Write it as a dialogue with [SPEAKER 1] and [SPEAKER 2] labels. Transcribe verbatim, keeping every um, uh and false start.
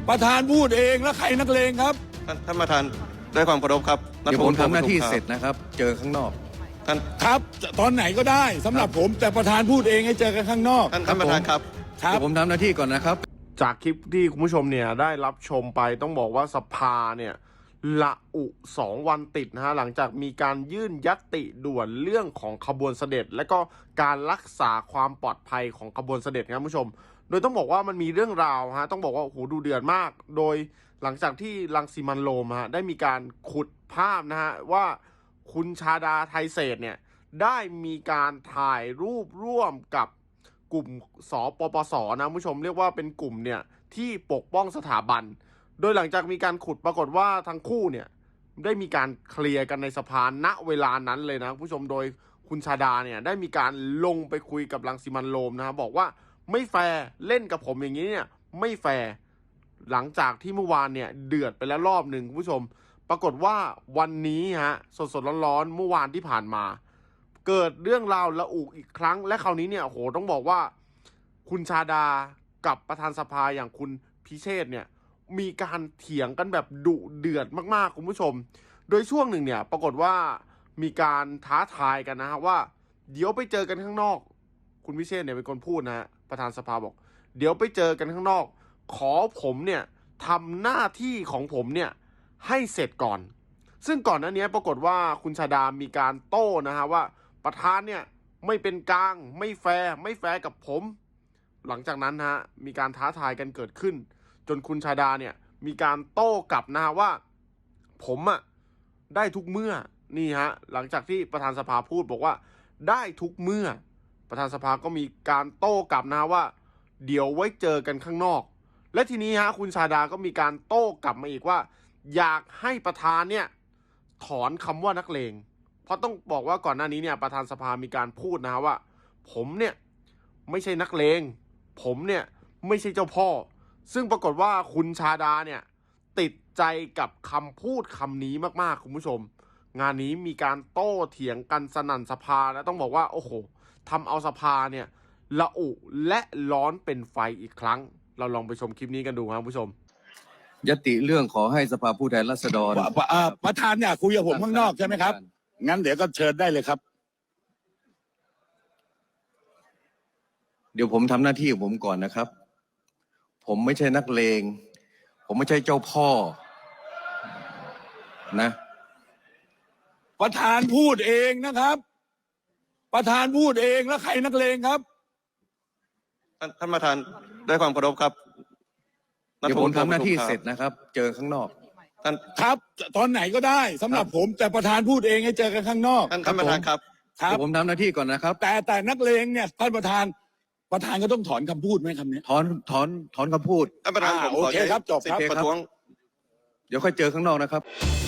[SPEAKER 1] ประธานพูดเองแล้วใครนักเลงครับ
[SPEAKER 2] ท่านท่านประธานด้วยความเคารพครับ
[SPEAKER 3] เดี๋ยวผมทำหน้าที่เสร็จนะครับ เจอข้างนอก
[SPEAKER 2] ท่าน
[SPEAKER 1] ครับตอนไหนก็ได้สำหรับผมแต่ประธานพูดเองให้เจอกันข้างนอก
[SPEAKER 2] ท่านท่านประธานครับ
[SPEAKER 3] เดี๋ยวผมทำหน้าที่ก่อนนะครับ
[SPEAKER 4] จากคลิปที่คุณผู้ชมเนี่ยได้รับชมไปต้องบอกว่าสภาเนี่ยละอุสองวันติดนะฮะหลังจากมีการยื่นญัตติด่วนเรื่องของขบวนเสด็จและก็การรักษาความปลอดภัยของขบวนเสด็จครับคุณผู้ชมโดยต้องบอกว่ามันมีเรื่องราวฮะต้องบอกว่าโอ้โหดูเดือดมากโดยหลังจากที่รังสิมันโรมฮะได้มีการขุดภาพนะฮะว่าคุณชาดาไทเศษเนี่ยได้มีการถ่ายรูปร่วมกับกลุ่มสปปสนะคุณผู้ชมเรียกว่าเป็นกลุ่มเนี่ยที่ปกป้องสถาบันโดยหลังจากมีการขุดปรากฏว่าทั้งคู่เนี่ยได้มีการเคลียร์กันในสภาณเวลานั้นเลยนะคุณผู้ชมโดยคุณชาดาเนี่ยได้มีการลงไปคุยกับรังสิมันโรมนะครับบอกว่าไม่แฟร์เล่นกับผมอย่างนี้เนี่ยไม่แฟร์หลังจากที่เมื่อวานเนี่ยเดือดไปแล้วรอบหนึ่งคุณผู้ชมปรากฏว่าวันนี้ฮะสดๆร้อนๆเมื่อวานที่ผ่านมาเกิดเรื่องราวระอุอีกครั้งและคราวนี้เนี่ยโหต้องบอกว่าคุณชาดากับประธานสภาอย่างคุณพิเชษเนี่ยมีการเถียงกันแบบดุเดือดมากๆคุณผู้ชมโดยช่วงหนึ่งเนี่ยปรากฏว่ามีการท้าทายกันนะฮะว่าเดี๋ยวไปเจอกันข้างนอกคุณพิเชษเนี่ยเป็นคนพูดนะฮะประธานสภาบอกเดี๋ยวไปเจอกันข้างนอกขอผมเนี่ยทำหน้าที่ของผมเนี่ยให้เสร็จก่อนซึ่งก่อนหน้านี้ปรากฏว่าคุณชาดามีการโต้นะฮะว่าประธานเนี่ยไม่เป็นกลางไม่แฟร์ไม่แฟร์กับผมหลังจากนั้นฮะมีการท้าทายกันเกิดขึ้นจนคุณชาดาเนี่ยมีการโต้กลับนะฮะว่าผมอะได้ทุกเมื่อนี่ฮะหลังจากที่ประธานสภาพูดบอกว่าได้ทุกเมื่อประธานสภาก็มีการโต้กลับนะว่าเดี๋ยวไว้เจอกันข้างนอกและทีนี้ฮะคุณชาดาก็มีการโต้กลับมาอีกว่าอยากให้ประธานเนี่ยถอนคำว่านักเลงเพราะต้องบอกว่าก่อนหน้านี้เนี่ยประธานสภามีการพูดนะฮะว่าผมเนี่ยไม่ใช่นักเลงผมเนี่ยไม่ใช่เจ้าพ่อซึ่งปรากฏว่าคุณชาดาเนี่ยติดใจกับคำพูดคำนี้มากๆคุณผู้ชมงานนี้มีการโต้เถียงกันสนั่นสภาและต้องบอกว่าโอ้โหทำเอาสภาเนี่ยละอุและร้อนเป็นไฟอีกครั้งเราลองไปชมคลิปนี้กันดูครับผู้ชม
[SPEAKER 3] ยติเรื่องขอให้สภาผู้แทนราษฎร
[SPEAKER 1] ประธานเนี่ยคุยกับผมข้างนอกใช่ไหมครับงั้นเดี๋ยวก็เชิญได้เลยครับ
[SPEAKER 3] เดี๋ยวผมทำหน้าที่ของผมก่อนนะครับผมไม่ใช่นักเลงผมไม่ใช่เจ้าพ่อนะ
[SPEAKER 1] ประธานพูดเองนะครับประธานพูดเองแล้วใครนักเลงครับ
[SPEAKER 2] ท่านท่านประธานด้วยความเคารพครับ
[SPEAKER 3] เดี๋ยวผมทำหน้าที่เสร็จนะครับเจอข้างนอก
[SPEAKER 2] ท่าน
[SPEAKER 1] ครับตอนไหนก็ได้สำหรับผมแต่ประธานพูดเองให้เจอกันข้างนอก
[SPEAKER 2] ท่านท่านประธานครับ
[SPEAKER 3] เดี๋ยวผมทำหน้าที่ก่อนนะครับ
[SPEAKER 1] แต่แต่นักเลงเนี่ยท่านประธานประธานก็ต้องถอนคำพูดไหมคำนี้
[SPEAKER 3] ถอนถอนถอนคำพูด
[SPEAKER 2] ท่านประธานผม
[SPEAKER 1] โอเคครับจบครับ
[SPEAKER 2] ประท้วง
[SPEAKER 3] เดี๋ยวค่อยเจอข้างนอกนะครับ